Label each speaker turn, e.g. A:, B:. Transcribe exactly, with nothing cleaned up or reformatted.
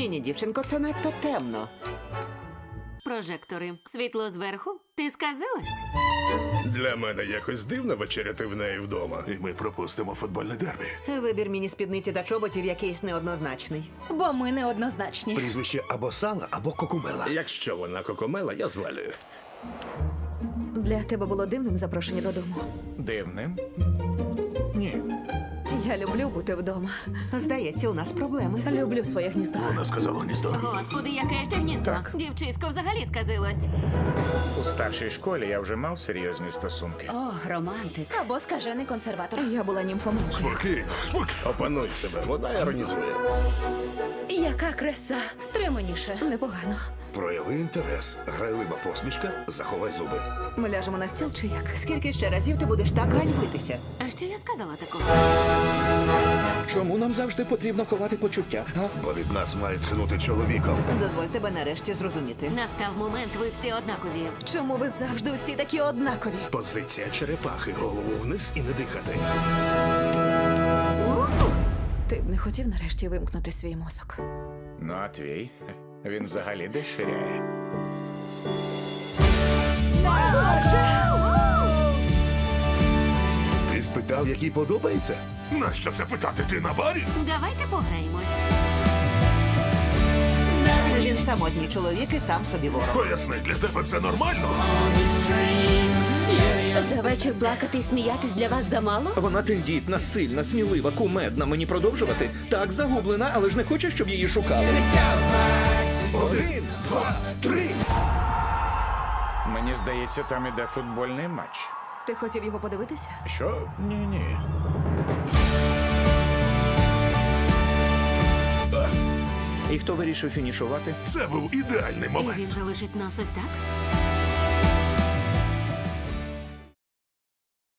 A: Ні, ні, дівчинко, це надто темно.
B: Прожектори. Світло зверху? Ти сказилась?
C: Для мене якось дивно вечеряти в неї вдома. І ми пропустимо футбольне дербі.
A: Вибір міні-спідниці та чоботів якийсь неоднозначний.
D: Бо ми неоднозначні.
E: Прізвище або Сала, або Кокумела.
C: Якщо вона кокомела, я звалюю.
D: Для тебе було дивним запрошення додому.
F: Дивним? Ні.
D: Я люблю бути вдома.
A: Здається, у нас проблеми.
D: Люблю своє гніздо.
C: Вона сказала гніздо.
B: Господи, яке ще гніздо.
F: Так.
B: Дівчисько взагалі сказилось.
F: У старшій школі я вже мав серйозні стосунки.
B: О, романтик.
D: Або скажений консерватор. Я була німфоманкою.
C: Спокійно, спокійно. Опануй себе, вона іронізує.
D: Яка краса. Стриманіше. Непогано.
E: Прояви інтерес. Грайлива посмішка, заховай зуби.
D: Ми ляжемо на стіл чи як?
A: Скільки ще разів ти будеш так ганьбитися?
B: А що я сказала такого?
G: Чому нам завжди потрібно ховати почуття? А?
E: Бо від нас має тхнути чоловіком.
A: Дозволь тебе нарешті зрозуміти.
B: Настав момент, ви всі однакові.
D: Чому ви завжди усі такі однакові?
C: Позиція черепахи, голову вниз і не дихати.
D: Ти б не хотів нарешті вимкнути свій мозок.
F: Ну, а твій? Він взагалі деширяє.
E: Ти спитав, який подобається?
C: Нащо це питати? Ти на барі?
B: Давайте пограємось.
A: Він самотній чоловік і сам собі ворог.
C: Поясни, для тебе це нормально?
B: За вечір плакати і сміятись для вас замало?
G: Вона тендітна, сильна, смілива, кумедна. Мені продовжувати? Так, загублена, але ж не хоче, щоб її шукали.
C: Один, два, три.
F: Мені здається, там іде футбольний матч.
D: Ти хотів його подивитися?
F: Що? Ні-ні.
G: І хто вирішив фінішувати?
C: Це був ідеальний
B: І
C: момент.
B: він залишить нас ось так?